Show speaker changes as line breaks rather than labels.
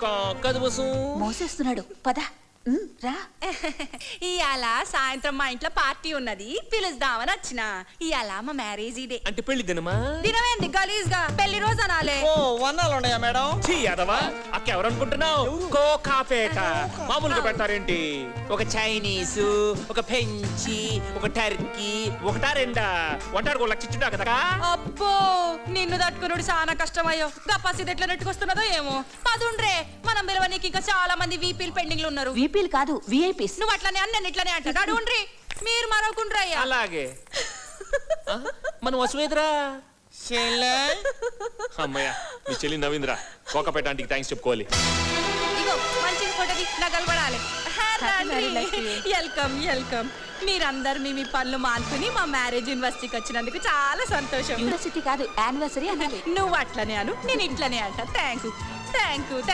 కదుబసు
మోసేస్తున్నాడు పద రా.
ఇయాల సాయంత్రం మా ఇంట్లో పార్టీ ఉన్నది, పిలుస్తామని వచ్చిన. ఇయాల మా మ్యారేజ్ డే.
అంటే పెళ్లి దినమా?
దినమేంది గలీజ్ గా, పెళ్లి రోజు అనాలే.
ఓ వన్నాలు ఉన్నాయా మేడం?
ఛీ యాదవా, అక్క ఎవరనుకుంటున్నావు? కోకాపేట మామూలుగా పెడతారేంటి? ఒక చైనీసు, ఒక ఫ్రెంచి, ఒక టర్కీ, ఒకటా రెండా? వంటారు లక్షించుంటా కదా.
అబ్బో నిన్ను తట్టుకున్నాడు చాలా కష్టమయ్యో. గప్పాసి ఎట్లా నెట్టుకొస్తున్నదో ఏమో. పదుండ్రే, మనం పిలవనీకి ఇంకా చాలా మంది వీపీలు పెండింగ్ లో ఉన్నారు.
వీపీలు కాదు విఐపీస్.
నువ్వు అట్లనే అని నేను ఇట్లనే అంటా. అడుగుండ్రి, మీరు మరొకుండ్రయ్యా.
అలాగే మనం వసువేదరా అమ్మయ్య, మీ చెల్లి నవీంద్ర కోకపేట ఆంటీకి థ్యాంక్స్ చెప్పుకోవాలి.
ఇగో మంచి ఫోటోది నగలు పడాలి. Welcome welcome. మీరందరు మీ పనులు మానుకుని మా మ్యారేజ్ యూనివర్సిటీకి వచ్చినందుకు చాలా సంతోషం.
యూనివర్సిటీ కాదు యానివర్సరీ అనాలి.
నువ్వు అట్లనే అను, నేను ఇట్లనే అంట. Thank you.